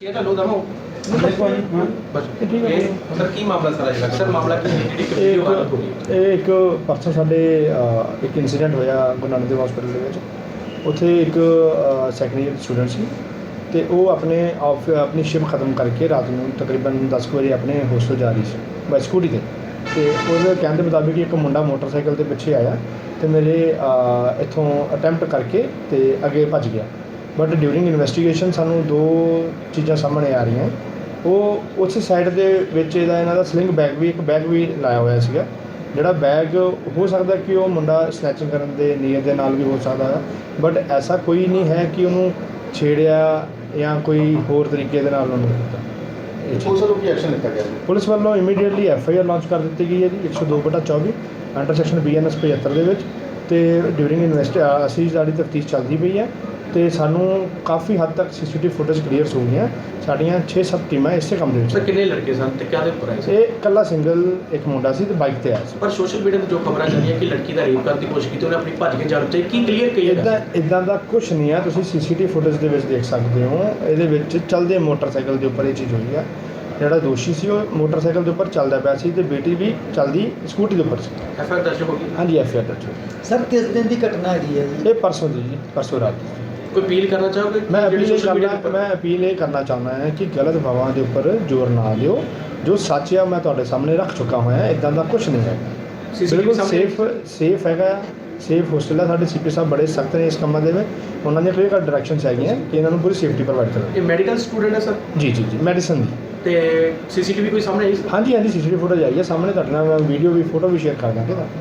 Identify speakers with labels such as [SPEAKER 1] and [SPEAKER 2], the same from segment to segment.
[SPEAKER 1] ਇਹ ਤਾਂ ਲੋ ਦਮੋ ਬਸ ਇਹ ਸਰ ਕੀ ਮਾਮਲਾ ਸਾਰਾ ਜਿਹੜਾ ਸਰ ਮਾਮਲਾ ਕੀ ਜਿਹੜੀ ਵੀਡੀਓ ਵਾਇਰਲ ਹੋ ਗਈ
[SPEAKER 2] ਇਹ ਇੱਕ ਪਰਸੋਂ ਸਾਡੇ ਇੱਕ ਇਨਸੀਡੈਂਟ ਹੋਇਆ ਗੁਰੂ ਨਾਨਕ ਦੇਵ ਹਸਪੀਟਲ ਦੇ ਵਿੱਚ। ਉੱਥੇ ਇੱਕ ਸੈਕੰਡ ਈਅਰ ਸਟੂਡੈਂਟ ਸੀ ਤੇ ਉਹ ਆਪਣੀ ਸ਼ਿਫਟ ਖਤਮ ਕਰਕੇ ਰਾਤ ਨੂੰ ਤਕਰੀਬਨ 10 ਵਜੇ ਆਪਣੇ ਹੋਸਟਲ ਜਾ ਰਹੀ ਸੀ ਬਾਈ ਸਕੂਟੀ ਤੇ ਉਹਦੇ ਕਹਿਣ ਦੇ ਮੁਤਾਬਿਕ ਇੱਕ ਮੁੰਡਾ ਮੋਟਰਸਾਈਕਲ ਤੇ ਪਿੱਛੇ ਆਇਆ ਤੇ ਮੇਰੇ ਇੱਥੋਂ ਅਟੈਂਪਟ ਕਰਕੇ ਤੇ ਅੱਗੇ ਭੱਜ ਗਿਆ। ਬਟ ਡਿਊਰਿੰਗ ਇਨਵੈਸਟੀਗੇਸ਼ਨ ਸਾਨੂੰ ਦੋ ਚੀਜ਼ਾਂ ਸਾਹਮਣੇ ਆ ਰਹੀਆਂ। ਉਹ ਉਸ ਸਾਈਡ ਦੇ ਵਿੱਚ ਇਹਨਾਂ ਦਾ ਸਲਿੰਗ ਬੈਗ ਵੀ ਲਾਇਆ ਹੋਇਆ ਸੀਗਾ, ਜਿਹੜਾ ਬੈਗ ਹੋ ਸਕਦਾ ਕਿ ਉਹ ਮੁੰਡਾ ਸਨੈਚਿੰਗ ਕਰਨ ਦੇ ਨੀਅਤ ਦੇ ਨਾਲ ਵੀ ਹੋ ਸਕਦਾ ਹੈ, ਬਟ ਐਸਾ ਕੋਈ ਨਹੀਂ ਹੈ ਕਿ ਉਹਨੂੰ ਛੇੜਿਆ ਜਾਂ ਕੋਈ ਹੋਰ ਤਰੀਕੇ ਦੇ ਨਾਲ ਉਹਨੂੰ ਕੀਤਾ।
[SPEAKER 1] ਪੁਲਿਸ ਵੱਲੋਂ ਕੀ ਐਕਸ਼ਨ ਲਿੱਤਾ ਗਿਆ?
[SPEAKER 2] ਪੁਲਿਸ ਵੱਲੋਂ ਇਮੀਡੀਏਟਲੀ FIR ਲਾਂਚ ਕਰ ਦਿੱਤੀ ਗਈ ਹੈ ਜੀ 102/24 ਅੰਡਰ ਸੈਕਸ਼ਨ BNS 75 ਦੇ ਵਿੱਚ। ਤੇ ਡਿਊਰਿੰਗ ਅਸੀਂ ਸਾਡੀ ਤਫਤੀਸ਼ ਚੱਲਦੀ ਪਈ ਹੈ ਤੇ ਸਾਨੂੰ ਕਾਫੀ ਹੱਦ ਤੱਕ CCTV ਫੁਟੇਜ ਕਲੀਅਰਸ ਹੋ ਗਈਆਂ। ਸਾਡੀਆਂ 6-7 ਟੀਮਾਂ ਇਸੇ ਕੰਮ ਦੇ ਵਿੱਚ।
[SPEAKER 1] ਸਰ ਕਿੰਨੇ ਲੜਕੇ ਸਨ ਤੇ ਕਿਹਦੇ ਉੱਪਰ ਆਏ ਸੀ?
[SPEAKER 2] ਇਹ ਇਕੱਲਾ ਸਿੰਗਲ ਇੱਕ ਮੁੰਡਾ ਸੀ ਤੇ ਬਾਈਕ ਤੇ ਆਇਆ ਸੀ।
[SPEAKER 1] ਪਰ ਸੋਸ਼ਲ ਮੀਡੀਆ ਤੇ ਜੋ ਖਬਰਾਂ ਚੱਲੀਆਂ ਕਿ ਲੜਕੀ ਦਾ ਰੇਪ ਕਰਨ ਦੀ ਕੋਸ਼ਿਸ਼ ਕੀਤੀ, ਉਹਨੇ ਆਪਣੀ ਭੱਜ ਕੇ ਜਾਣ ਤੇ ਕੀ ਕਲੀਅਰ ਕਹੀਏਗਾ?
[SPEAKER 2] ਇਦਾਂ ਦਾ ਕੁਝ ਨਹੀਂ ਹੈ, ਤੁਸੀਂ CCTV ਫੁਟੇਜ ਦੇ ਵਿੱਚ ਦੇਖ ਸਕਦੇ ਹੋ। ਇਹਦੇ ਵਿੱਚ ਚੱਲਦੇ ਮੋਟਰਸਾਈਕਲ ਦੇ ਉੱਪਰ ਇਹ ਚੀਜ਼ ਹੋਈ ਹੈ। ਜਿਹੜਾ ਦੋਸ਼ੀ ਸੀ ਉਹ ਮੋਟਰਸਾਈਕਲ ਦੇ ਉੱਪਰ ਚੱਲਦਾ ਪਿਆ ਸੀ ਤੇ ਬੇਟੀ ਵੀ ਚੱਲਦੀ ਸਕੂਟੀ ਦੇ ਉੱਪਰ ਸੀ।
[SPEAKER 1] FIR ਦਰਜ ਹੋ ਗਈ?
[SPEAKER 2] ਹਾਂਜੀ FIR ਦਰਜ ਹੋ ਗਈ।
[SPEAKER 3] ਸਰ ਕਿਸ ਦਿਨ ਦੀ ਘਟਨਾ ਹੈਗੀ ਹੈ ਜੀ?
[SPEAKER 2] ਇਹ ਪਰਸੋਂ ਦੀ ਜੀ, ਪਰਸੋਂ ਰਾਤ ਦੀ।
[SPEAKER 1] ਕੋਈ ਅਪੀਲ ਕਰਨਾ ਚਾਹੋਗੇ?
[SPEAKER 2] ਮੈਂ ਅਪੀਲ ਇਹ ਕਰਨਾ ਚਾਹੁੰਦਾ ਹਾਂ ਕਿ ਗਲਤ ਖਬਰਾਂ ਦੇ ਉੱਪਰ ਜ਼ੋਰ ਨਾ ਦਿਓ। ਜੋ ਸੱਚ ਆ ਮੈਂ ਤੁਹਾਡੇ ਸਾਹਮਣੇ ਰੱਖ ਚੁੱਕਾ ਹੋਇਆ। ਇਦਾਂ ਦਾ ਕੁਝ ਨਹੀਂ ਹੈਗਾ, ਬਿਲਕੁਲ ਸੇਫ ਹੈਗਾ। ਸੇਫ ਹੋਸਟਲ ਹੈ। ਸਾਡੇ CP ਸਾਹਿਬ ਬੜੇ ਸਖਤ ਨੇ ਇਸ ਕੰਮਾਂ ਦੇ ਵਿੱਚ। ਉਹਨਾਂ ਦੀਆਂ ਕਲੀਅਰ ਡਾਇਰੈਕਸ਼ਨਸ ਹੈਗੀਆਂ ਕਿ ਇਹਨਾਂ ਨੂੰ ਪੂਰੀ ਸੇਫਟੀ ਪ੍ਰੋਵਾਈਡ ਕਰੋ।
[SPEAKER 1] ਇਹ ਮੈਡੀਕਲ ਸਟੂਡੈਂਟ ਹੈ ਸਰ? ਜੀ
[SPEAKER 2] ਮੈਡੀਸਨ ਦੀ।
[SPEAKER 1] ਤੇ CCTV ਕੋਈ ਸਾਹਮਣੇ ਆਈ?
[SPEAKER 2] ਹਾਂਜੀ CCTV ਫੁਟੇਜ ਆਈ ਹੈ ਸਾਹਮਣੇ। ਤੁਹਾਡੇ ਨਾਲ ਮੈਂ ਵੀਡੀਓ ਵੀ ਫੋਟੋ ਵੀ ਸ਼ੇਅਰ ਕਰ ਦਾਂਗੇ ਤਾਂ।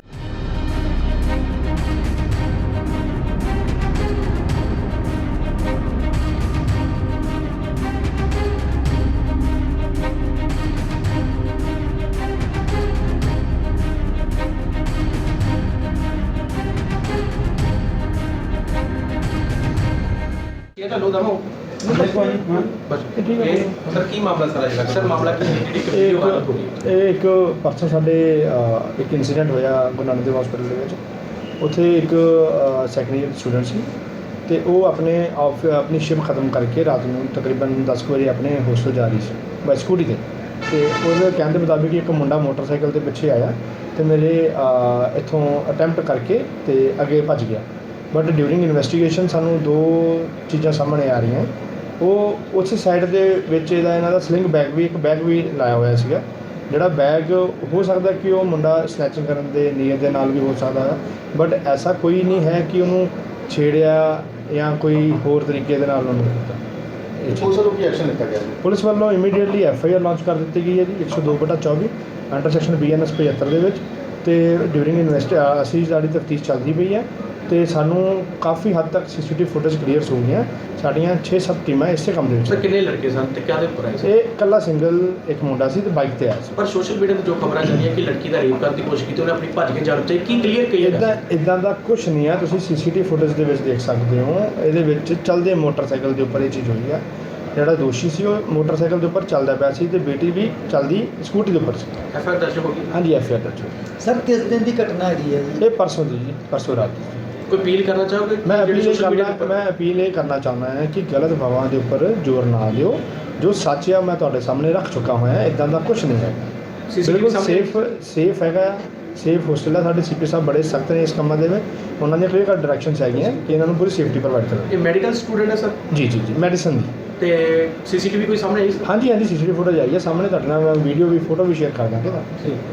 [SPEAKER 1] ਇਹ ਤਾਂ ਲੋ ਦਮੋ ਬਸ ਇਹ ਸਰ ਕੀ ਮਾਮਲਾ ਸਾਰਾ ਜਿਹੜਾ ਸਰ ਮਾਮਲਾ ਕੀ ਜਿਹੜੀ ਵੀਡੀਓ ਵਾਇਰਲ ਹੋ ਗਈ?
[SPEAKER 2] ਇਹ ਇੱਕ ਪਰਸੋਂ ਸਾਡੇ ਇੱਕ ਇਨਸੀਡੈਂਟ ਹੋਇਆ ਗੁਰੂ ਨਾਨਕ ਦੇਵ ਹਸਪੀਟਲ ਦੇ ਵਿੱਚ। ਉੱਥੇ ਇੱਕ ਸੈਕੰਡ ਈਅਰ ਸਟੂਡੈਂਟ ਸੀ ਤੇ ਉਹ ਆਪਣੀ ਸ਼ਿਫਟ ਖਤਮ ਕਰਕੇ ਰਾਤ ਨੂੰ ਤਕਰੀਬਨ 10 ਵਜੇ ਆਪਣੇ ਹੋਸਟਲ ਜਾ ਰਹੀ ਸੀ ਬਾਈ ਸਕੂਟੀ ਤੇ ਉਹਦੇ ਕਹਿਣ ਦੇ ਮੁਤਾਬਿਕ ਇੱਕ ਮੁੰਡਾ ਮੋਟਰਸਾਈਕਲ ਤੇ ਪਿੱਛੇ ਆਇਆ ਤੇ ਮੇਰੇ ਇੱਥੋਂ ਅਟੈਂਪਟ ਕਰਕੇ ਤੇ ਅੱਗੇ ਭੱਜ ਗਿਆ। ਬਟ ਡਿਊਰਿੰਗ ਇਨਵੈਸਟੀਗੇਸ਼ਨ ਸਾਨੂੰ ਦੋ ਚੀਜ਼ਾਂ ਸਾਹਮਣੇ ਆ ਰਹੀਆਂ। ਉਹ ਉਸ ਸਾਈਡ ਦੇ ਵਿੱਚ ਇਹਨਾਂ ਦਾ ਸਲਿੰਗ ਬੈਗ ਵੀ ਲਾਇਆ ਹੋਇਆ ਸੀਗਾ, ਜਿਹੜਾ ਬੈਗ ਹੋ ਸਕਦਾ ਕਿ ਉਹ ਮੁੰਡਾ ਸਨੈਚਿੰਗ ਕਰਨ ਦੇ ਨੀਅਤ ਦੇ ਨਾਲ ਵੀ ਹੋ ਸਕਦਾ ਹੈ, ਬਟ ਐਸਾ ਕੋਈ ਨਹੀਂ ਹੈ ਕਿ ਉਹਨੂੰ ਛੇੜਿਆ ਜਾਂ ਕੋਈ ਹੋਰ ਤਰੀਕੇ ਦੇ ਨਾਲ ਉਹਨੂੰ ਕੀਤਾ।
[SPEAKER 1] ਪੁਲਿਸ ਵੱਲੋਂ ਕੀ ਐਕਸ਼ਨ ਲਿੱਤਾ ਗਿਆ?
[SPEAKER 2] ਪੁਲਿਸ ਵੱਲੋਂ ਇਮੀਡੀਏਟਲੀ FIR ਲਾਂਚ ਕਰ ਦਿੱਤੀ ਗਈ ਹੈ ਜੀ 102/24 ਅੰਡਰ ਸੈਕਸ਼ਨ BNS 75 ਦੇ ਵਿੱਚ। ਤੇ ਡਿਊਰਿੰਗ ਅਸੀਂ ਸਾਡੀ ਤਫਤੀਸ਼ ਚੱਲਦੀ ਪਈ ਹੈ ਤੇ ਸਾਨੂੰ ਕਾਫੀ ਹੱਦ ਤੱਕ CCTV ਫੁਟੇਜ ਕਲੀਅਰਸ ਹੋ ਗਈਆਂ। ਸਾਡੀਆਂ 6-7 ਟੀਮਾਂ ਇਸੇ ਕੰਮ ਦੇ ਵਿੱਚ।
[SPEAKER 1] ਸਰ ਕਿੰਨੇ ਲੜਕੇ ਸਨ ਤੇ ਕਿਹਦੇ ਉੱਪਰ ਆਏ ਸੀ?
[SPEAKER 2] ਇਹ ਇਕੱਲਾ ਸਿੰਗਲ ਇੱਕ ਮੁੰਡਾ ਸੀ ਤੇ ਬਾਈਕ ਤੇ ਆਇਆ ਸੀ।
[SPEAKER 1] ਪਰ ਸੋਸ਼ਲ ਮੀਡੀਆ ਤੇ ਜੋ ਖਬਰਾਂ ਚੱਲੀਆਂ ਕਿ ਲੜਕੀ ਦਾ ਰੇਪ ਕਰਨ ਦੀ ਕੋਸ਼ਿਸ਼ ਕੀਤੀ, ਉਹਨੇ ਆਪਣੀ ਭੱਜ ਕੇ ਜਾਣ ਤੇ ਕੀ ਕਲੀਅਰ ਕਹੀਏਗਾ?
[SPEAKER 2] ਇਦਾਂ ਦਾ ਕੁਝ ਨਹੀਂ ਹੈ, ਤੁਸੀਂ CCTV ਫੁਟੇਜ ਦੇ ਵਿੱਚ ਦੇਖ ਸਕਦੇ ਹੋ। ਇਹਦੇ ਵਿੱਚ ਚੱਲਦੇ ਮੋਟਰਸਾਈਕਲ ਦੇ ਉੱਪਰ ਇਹ ਚੀਜ਼ ਹੋਈ ਹੈ। ਜਿਹੜਾ ਦੋਸ਼ੀ ਸੀ ਉਹ ਮੋਟਰਸਾਈਕਲ ਦੇ ਉੱਪਰ ਚੱਲਦਾ ਪਿਆ ਸੀ ਤੇ ਬੇਟੀ ਵੀ ਚੱਲਦੀ ਸਕੂਟੀ ਦੇ ਉੱਪਰ ਸੀ।
[SPEAKER 1] FIR ਦਰਜ ਹੋ ਗਈ?
[SPEAKER 2] ਹਾਂਜੀ FIR ਦਰਜ ਹੋ ਗਈ।
[SPEAKER 3] ਸਰ ਕਿਸ ਦਿਨ ਦੀ ਘਟਨਾ ਹੈਗੀ ਹੈ ਜੀ?
[SPEAKER 2] ਇਹ ਪਰਸੋਂ ਦੀ ਜੀ, ਪਰਸੋਂ ਰਾਤ ਦੀ।
[SPEAKER 1] ਕੋਈ ਅਪੀਲ ਕਰਨਾ ਚਾਹੋਗੇ?
[SPEAKER 2] ਮੈਂ ਅਪੀਲ ਇਹ ਕਰਨਾ ਚਾਹੁੰਦਾ ਹਾਂ ਕਿ ਗਲਤ ਖਬਰਾਂ ਦੇ ਉੱਪਰ ਜ਼ੋਰ ਨਾ ਦਿਓ। ਜੋ ਸੱਚ ਆ ਮੈਂ ਤੁਹਾਡੇ ਸਾਹਮਣੇ ਰੱਖ ਚੁੱਕਾ ਹੋਇਆ। ਇਦਾਂ ਦਾ ਕੁਝ ਨਹੀਂ ਹੈਗਾ, ਬਿਲਕੁਲ ਸੇਫ ਹੈਗਾ। ਸੇਫ ਹੋਸਟਲ ਹੈ। ਸਾਡੇ CP ਸਾਹਿਬ ਬੜੇ ਸਖਤ ਨੇ ਇਸ ਕੰਮਾਂ ਦੇ ਵਿੱਚ। ਉਹਨਾਂ ਦੀਆਂ ਕਲੀਅਰ ਡਾਇਰੈਕਸ਼ਨਸ ਹੈਗੀਆਂ ਕਿ ਇਹਨਾਂ ਨੂੰ ਪੂਰੀ ਸੇਫਟੀ ਪ੍ਰੋਵਾਈਡ ਕਰੋ।
[SPEAKER 1] ਇਹ ਮੈਡੀਕਲ ਸਟੂਡੈਂਟ ਹੈ ਸਰ? ਜੀ
[SPEAKER 2] ਮੈਡੀਸਨ ਦੀ।
[SPEAKER 1] ਤੇ CCTV ਕੋਈ ਸਾਹਮਣੇ ਆਈ?
[SPEAKER 2] ਹਾਂਜੀ CCTV ਫੁਟੇਜ ਆਈ ਹੈ ਸਾਹਮਣੇ। ਤੁਹਾਡੇ ਨਾਲ ਮੈਂ ਵੀਡੀਓ ਵੀ ਫੋਟੋ ਵੀ ਸ਼ੇਅਰ ਕਰ ਦਾਂਗੇ ਤਾਂ।